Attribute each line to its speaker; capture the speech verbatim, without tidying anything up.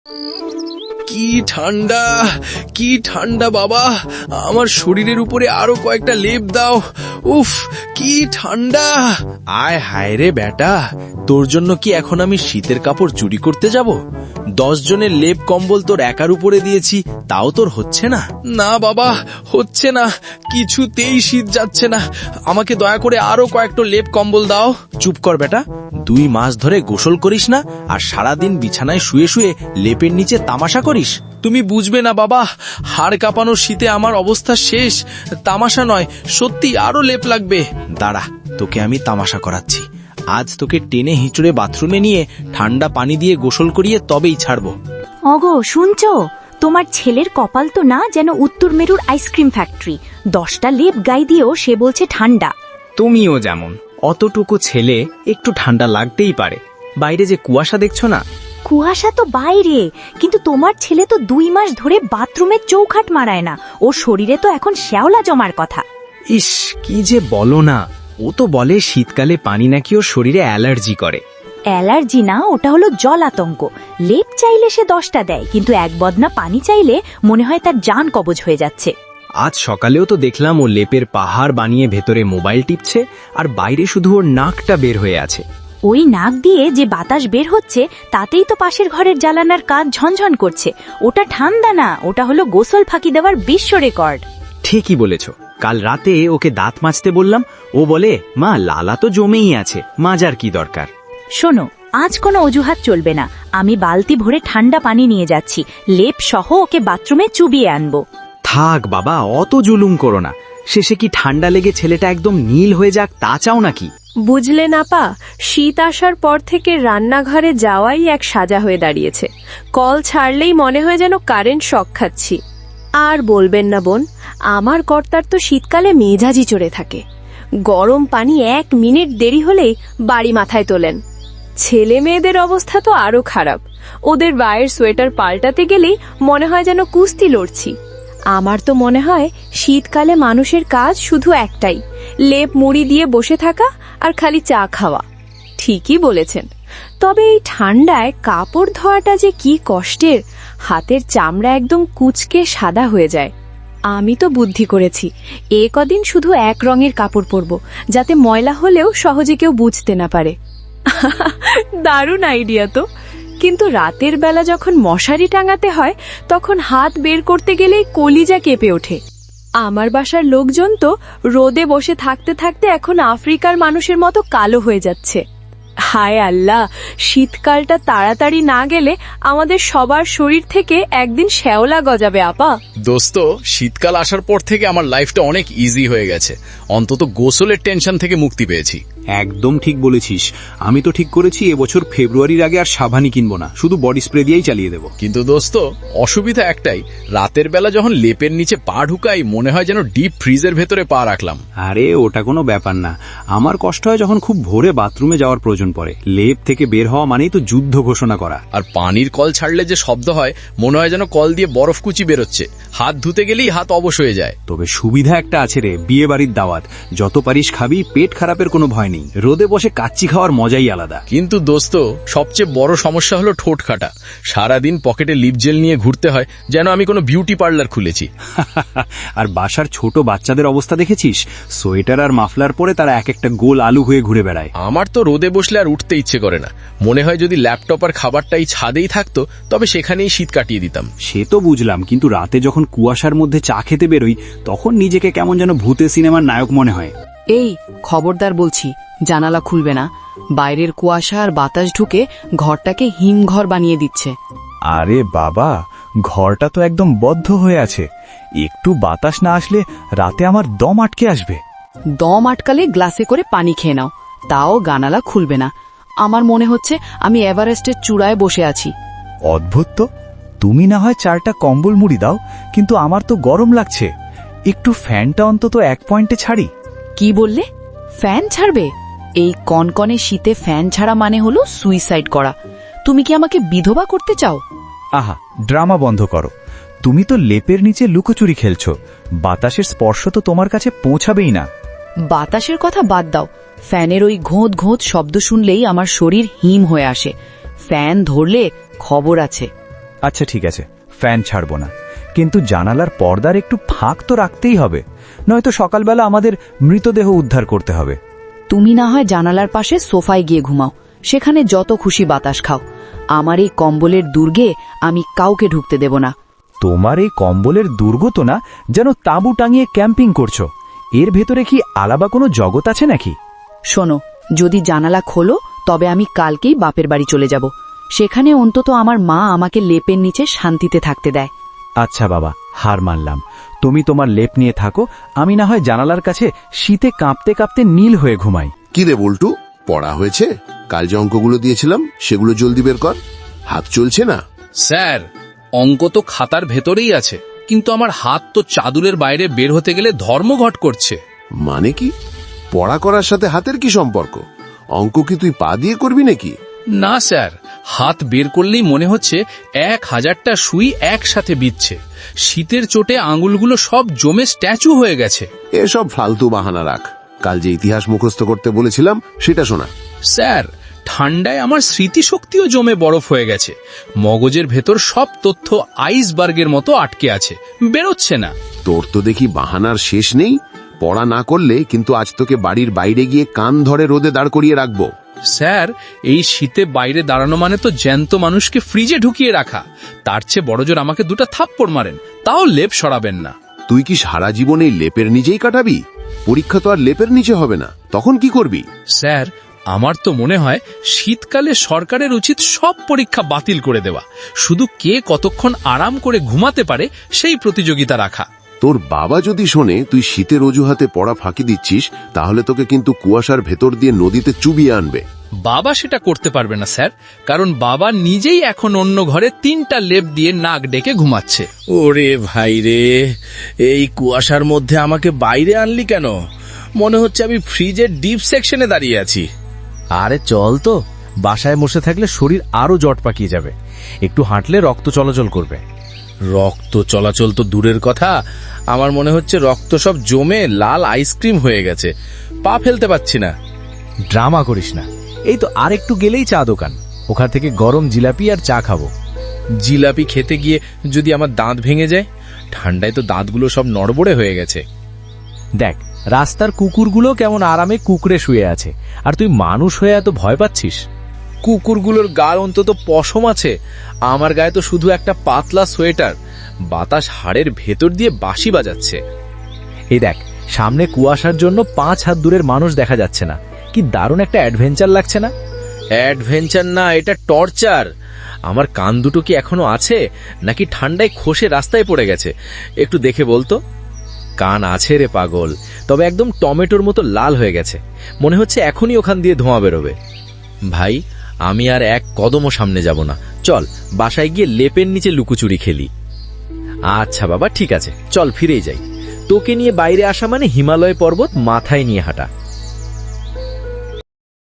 Speaker 1: কি ঠান্ডা, কি ঠান্ডা বাবা, আমার শরীরের উপরে আরো কয়েকটা লেপ দাও। উফ, কি ঠান্ডা। আয় হায় রে বেটা, তোর জন্য কি এখন আমি শীতের কাপড় চুরি করতে যাব? দশ জনের লেপ কম্বল তোর একার উপরে দিয়েছি, তাও তোর হচ্ছে না? না বাবা, হচ্ছে না, কিছুতেই শীত যাচ্ছে না। আমাকে দয়া করে আরো কয়েকটা লেপ কম্বল দাও। চুপ কর বেটা, দুই মাস ধরে গোসল করিস না আর সারাদিন বিছানায় শুয়ে শুয়ে লেপের নিচে তামাশা করিস। তুমি বুঝবে না বাবা, হাড় কাঁপানো শীতে আমার অবস্থা শেষ। তামাশা নয়, সত্যি আরো লেপ লাগবে। দাঁড়া, তোকে আমি তামাশা করাচ্ছি। আজ তোকে টেনে হিঁচড়ে বাথরুমে নিয়ে ঠান্ডা পানি দিয়ে গোসল করিয়ে তবেই ছাড়বো।
Speaker 2: ওগো শুনছো, তোমার ছেলের কপাল তো না যেন উত্তর মেরুর আইসক্রিম ফ্যাক্টরি। দশটা লেপ গায়ে দিয়েও সে বলছে ঠান্ডা।
Speaker 3: তুমিও যেমন, অতটুকু ছেলে একটু ঠান্ডা লাগতেই পারে। বাইরে যে কুয়াশা দেখছো না?
Speaker 2: কুয়াশা তো বাইরে, কিন্তু তোমার ছেলে তো দুই মাস ধরে বাথরুমে চৌখাট মারায় না। ওর শরীরে তো এখন শ্যাওলা জমার কথা।
Speaker 3: ইস, কি যে বলো না। ও তো বলে শীতকালে পানি নাকি ওর শরীরে অ্যালার্জি করে।
Speaker 2: অ্যালার্জি না, ওটা হলো জল আতঙ্ক। লেপ চাইলে সে দশটা দেয়, কিন্তু এক বদনা পানি চাইলে মনে হয় তার জান কবজ হয়ে যাচ্ছে।
Speaker 3: আজ সকালেও তো দেখলাম ও লেপের পাহাড় বানিয়ে ভেতরে মোবাইল টিপছে, আর বাইরে শুধু ওর নাকটা বের হয়ে আছে।
Speaker 2: ওই নাক দিয়ে যে বাতাস বের হচ্ছে তাতেই তো পাশের ঘরের জ্বালানার কাজ ঝনঝন করছে। ওটা ঠান্ডা না, ওটা হলো গোসল ফাঁকি দেওয়ার বিশ্ব রেকর্ড।
Speaker 3: ঠিকই বলেছ। কাল রাতে ওকে দাঁত মাজতে বললাম, ও বলে মা লালা তো জমেই আছে, মাজার কি দরকার।
Speaker 2: শোনো, আজ কোনো অজুহাত চলবে না। আমি বালতি ভরে ঠান্ডা পানি নিয়ে যাচ্ছি, লেপ সহ ওকে বাথরুমে চুবিয়ে আনবো।
Speaker 3: থাক বাবা, অত জুলুম করো না। শেষে কি ঠান্ডা লেগে ছেলেটা একদম নীল হয়ে যাক তা চাও নাকি?
Speaker 4: বুঝলে না পা, শীত আসার পর থেকে রান্নাঘরে যাওয়াই এক সাজা হয়ে দাঁড়িয়েছে। কল ছাড়লেই মনে হয় যেন কারেন্ট শক খাচ্ছি। আর বলবেন না বোন, আমার কর্তার তো শীতকালে মেজাজি চড়ে থাকে। গরম পানি এক মিনিট দেরি হলেই বাড়ি মাথায় তোলেন। ছেলে মেয়েদের অবস্থা তো আরো খারাপ। ওদের গায়ের সোয়েটার পাল্টাতে গেলেই মনে হয় যেন কুস্তি লড়ছি। আমার তো মনে হয় শীতকালে মানুষের কাজ শুধু একটাই, লেপ মুড়ি দিয়ে বসে থাকা আর খালি চা খাওয়া। ঠিকই বলেছেন, তবে এই ঠান্ডায় কাপড় ধোয়াটা যে কি কষ্টের। হাতের চামড়া একদম কুচকে সাদা হয়ে যায়। আমি তো বুদ্ধি করেছি, এ কদিন শুধু এক রঙের কাপড় পরবো, যাতে ময়লা হলেও সহজে কেউ বুঝতে না পারে। দারুণ আইডিয়া তো। কিন্তু রাতের বেলা যখন মশারি টাঙাতে হয়, তখন হাত বের করতে গেলেই কলিজা কেঁপে ওঠে। আমার বাসার লোকজন তো রোদে বসে থাকতে থাকতে এখন আফ্রিকার মানুষের মতো কালো হয়ে যাচ্ছে। হায় আল্লাহ, শীতকালটা তাড়াতাড়ি না গেলে আমাদের সবার শরীর থেকে একদিন শ্যাওলা গজাবে। আপা
Speaker 1: দোস্ত, শীতকাল আসার পর থেকে আমার লাইফটা অনেক ইজি হয়ে গেছে। অন্তত গোসলের টেনশন থেকে মুক্তি পেয়েছি।
Speaker 5: একদম ঠিক বলেছিস। আমি তো ঠিক করেছি এবছর ফেব্রুয়ারির আগে আর সাবানই কিনবো না, শুধু বডি স্প্রে দিয়েই চালিয়ে দেবো।
Speaker 1: কিন্তু দোস্ত, অসুবিধা একটাই, রাতের বেলা যখন লেপের নিচে পা ঢুকাই মনে হয় যেন ডিপ ফ্রিজের ভেতরে পা রাখলাম।
Speaker 5: আরে ওটা কোনো ব্যাপার না। আমার কষ্ট হয় যখন খুব ভোরে বাথরুমে যাওয়ার প্রয়োজন পড়ে। লেপ থেকে বের হওয়া মানেই তো যুদ্ধ ঘোষণা করা।
Speaker 1: আর পানির কল ছাড়লে যে শব্দ হয় মনে হয় যেন কল দিয়ে বরফ কুচি বেরোচ্ছে। হাত ধুতে গেলেই হাত অবশ হয়ে যায়।
Speaker 5: তবে সুবিধা একটা আছে রে, বিয়ে বাড়ির দাওয়াত, যত পারিস খাবি, পেট খারাপের কোনো ভয় নেই। রোদে বসে কাচ্চি খাওয়ার মজাই আলাদা।
Speaker 1: কিন্তু দোস্ত, সবচেয়ে বড় সমস্যা হলো ঠোঁট কাটা। সারাদিন পকেটে লিপ জেল নিয়ে ঘুরতে হয় যেন আমি কোনো বিউটি পার্লার খুলেছি।
Speaker 5: আর বাসার ছোট বাচ্চাদের অবস্থা দেখেছিস? সোয়েটার আর মাফলার পরে তারা এক একটা গোল আলু হয়ে ঘুরে বেড়ায়।
Speaker 1: আমার তো রোদে বসলে আর উঠতে ইচ্ছে করে না। মনে হয় যদি ল্যাপটপ আর খাবারটাই ছাদেই থাকতো তবে সেখানেই শীত কাটিয়ে দিতাম।
Speaker 5: সে তো বুঝলাম, কিন্তু রাতে যখন কুয়াশার মধ্যে চা খেতে বেরোই তখন নিজেকে কেমন যেন ভূতে সিনেমার নায়ক মনে হয়।
Speaker 6: এই খবরদার বলছি, জানালা খুলবে না। বাইরের কুয়াশা আর বাতাস ঢুকে ঘরটাকে হিমঘর বানিয়ে দিচ্ছে।
Speaker 7: আরে বাবা, ঘরটা তো একদম বদ্ধ হয়ে আছে। একটু বাতাস না আসলে রাতে আমার দম আটকে আসবে।
Speaker 6: দম আটকালে গ্লাসে করে পানি খেয়ে নাও, তাও জানালা খুলবে না। আমার মনে হচ্ছে আমি এভারেস্টের চূড়ায় বসে আছি।
Speaker 7: অদ্ভুত তো, তুমি না হয় চারটা কম্বল মুড়ি দাও, কিন্তু আমার তো গরম লাগছে। একটু ফ্যানটা অন্তত এক পয়েন্টে ছাড়ি।
Speaker 6: কি বললে? ফ্যান ছাড়বে? এই কনকনে শীতে ফ্যান ছাড়া মানে হলো সুইসাইড করা। তুমি কি আমাকে বিধবা করতে চাও?
Speaker 7: আহা, ড্রামা বন্ধ করো। তুমি তো লেপের নিচে লুকোচুরি খেলছো। বাতাসের স্পর্শ তো তোমার কাছে পৌঁছাবেই না।
Speaker 6: বাতাসের কথা বাদ দাও, ফ্যানের ওই ঘোঁত ঘোঁত শব্দ শুনলেই আমার শরীর হিম হয়ে আসে। ফ্যান ধরলে খবর আছে।
Speaker 7: আচ্ছা ঠিক আছে, ফ্যান ছাড়বো না, কিন্তু জানালার পর্দার একটু ফাঁক তো রাখতেই হবে, নয়তো সকালবেলা আমাদের মৃতদেহ উদ্ধার করতে হবে।
Speaker 6: তুমি না হয় জানালার পাশে সোফায় গিয়ে ঘুমাও, সেখানে যত খুশি বাতাস খাও। আমার এই কম্বলের দুর্গে আমি কাউকে ঢুকতে দেব না।
Speaker 7: তোমার এই কম্বলের দুর্গ তো না যেন তাঁবু টাঙিয়ে ক্যাম্পিং করছো। এর ভেতরে কি আলাদা কোনো জগৎ আছে নাকি?
Speaker 6: শোনো, যদি জানালা খোলো তবে আমি কালকেই বাপের বাড়ি চলে যাব। সেখানে অন্তত আমার মা আমাকে লেপের নিচে শান্তিতে থাকতে দেয়।
Speaker 7: আচ্ছা বাবা, হার মানলাম, তুমি তোমার লেপ নিয়ে থাকো, আমি না হয় জানালার কাছে শীতে কাঁপতে কাঁপতে নীল হয়ে ঘুমাই।
Speaker 8: কি রে বল্টু, পড়া হয়েছে? কাল যে অঙ্কগুলো দিয়েছিলাম সেগুলো জলদি বের কর, হাত চলছে না।
Speaker 1: স্যার, অঙ্ক তো খাতার ভেতরেই আছে, কিন্তু আমার হাত তো চাদুরের বাইরে বের হতে গেলে ধর্মঘট করছে।
Speaker 8: মানে কি? পড়া করার সাথে হাতের কি সম্পর্ক? অঙ্ক কি তুই পা দিয়ে করবি নাকি?
Speaker 1: না স্যার, হাত বের করলেই মনে হচ্ছে এক হাজারটা সুই একসাথে বিচ্ছে। শীতের চোটে আঙুলগুলো সব জমে স্ট্যাচু হয়ে গেছে।
Speaker 8: এসব ফালতু বাহানা রাখ, কাল যে ইতিহাস মুখস্থ করতে বলেছিলাম সেটা শোনা।
Speaker 1: স্যার, ঠান্ডায় আমার স্মৃতিশক্তিও জমে বরফ হয়ে গেছে। মগজের ভেতর সব তথ্য আইসবার্গের মতো আটকে আছে, বেরোচ্ছে না।
Speaker 8: তোর তো দেখি বাহানার শেষ নেই। পড়া না করলে কিন্তু আজ তোকে বাড়ির বাইরে গিয়ে কান ধরে রোদে দাঁড় করিয়ে রাখবো।
Speaker 1: স্যার, এই শীতে বাইরে দাঁড়ানো মানে তো জ্যান্ত মানুষকে ফ্রিজে ঢুকিয়ে রাখা। তার চেয়ে বড়জোর আমাকে দুটো থাপ্পড় মারেন, তাও লেপ সরাবেন না।
Speaker 8: তুই কি সারা জীবন এই লেপের নিচেই কাটাবি? পরীক্ষা তো আর লেপের নিচে হবে না, তখন কি করবি?
Speaker 1: স্যার, আমার তো মনে হয় শীতকালে সরকারের উচিত সব পরীক্ষা বাতিল করে দেওয়া, শুধু কে কতক্ষণ আরাম করে ঘুমাতে পারে সেই প্রতিযোগিতা রাখা।
Speaker 8: তোর বাবা যদি শোনে তুই শীতের অজুহাতে পড়া ফাঁকি দিচ্ছিস, তাহলে তোকে কিন্তু কুয়াশার ভেতর দিয়ে নদীতে চুবিয়ে আনবে।
Speaker 1: বাবা সেটা করতে পারবে না স্যার, কারণ বাবা নিজেই এখন অন্য ঘরে তিনটা লেপ দিয়ে নাক ডেকে ঘুমাচ্ছে।
Speaker 9: ওরে ভাই রে, এই কুয়াশার মধ্যে আমাকে বাইরে আনলি কেন? মনে হচ্ছে আমি ফ্রিজের ডিপ সেকশনে দাঁড়িয়ে আছি।
Speaker 7: আরে চল তো, বাসায় বসে থাকলে শরীর আরো জট পাকিয়ে যাবে, একটু হাঁটলে রক্ত চলাচল করবে।
Speaker 9: রক্ত চলাচল তো দূরের কথা, আমার মনে হচ্ছে রক্ত সব জমে লাল আইসক্রিম হয়ে গেছে, পা ফেলতে পারছি না।
Speaker 7: ড্রামা করিস না, এই তো আর একটু গেলেই চা দোকান, ওখান থেকে গরম জিলাপি আর চা খাবো।
Speaker 9: জিলাপি খেতে গিয়ে যদি আমার দাঁত ভেঙে যায়? ঠান্ডায় তো দাঁতগুলো সব নড়বড়ে হয়ে গেছে।
Speaker 7: দেখ, রাস্তার কুকুরগুলো কেমন আরামে কুকুরে শুয়ে আছে, আর তুই মানুষ হয়ে এত ভয় পাচ্ছিস।
Speaker 9: কুকুরগুলোর গায়ে অন্তত পশম আছে, আমার গায়ে তো শুধু একটা পাতলা সোয়েটার, বাতাস হাড়ের ভেতর দিয়ে বাঁশি বাজাচ্ছে।
Speaker 7: এই দেখ, সামনে কুয়াশার জন্য পাঁচ হাত দূরের মানুষ দেখা যাচ্ছে না, কি দারুণ একটা অ্যাডভেঞ্চার লাগছে না?
Speaker 9: অ্যাডভেঞ্চার না, এটা টর্চার। আমার কান দুটো কি এখনো আছে, নাকি ঠান্ডায় খসে রাস্তায় পড়ে গেছে? একটু দেখে বলতো। কান আছে রে পাগল, তবে একদম টমেটোর মতো লাল হয়ে গেছে, মনে হচ্ছে এখনই ওখান দিয়ে ধোঁয়া বেরোবে। ভাই, আমি আর এক কদমও সামনে যাব না, চল বাসায় গিয়ে লেপের নিচে লুকোচুরি খেলি। আচ্ছা বাবা, ঠিক আছে, চল ফিরেই যাই। তোকে নিয়ে বাইরে আসা মানে হিমালয় পর্বত মাথায় নিয়ে হাঁটা।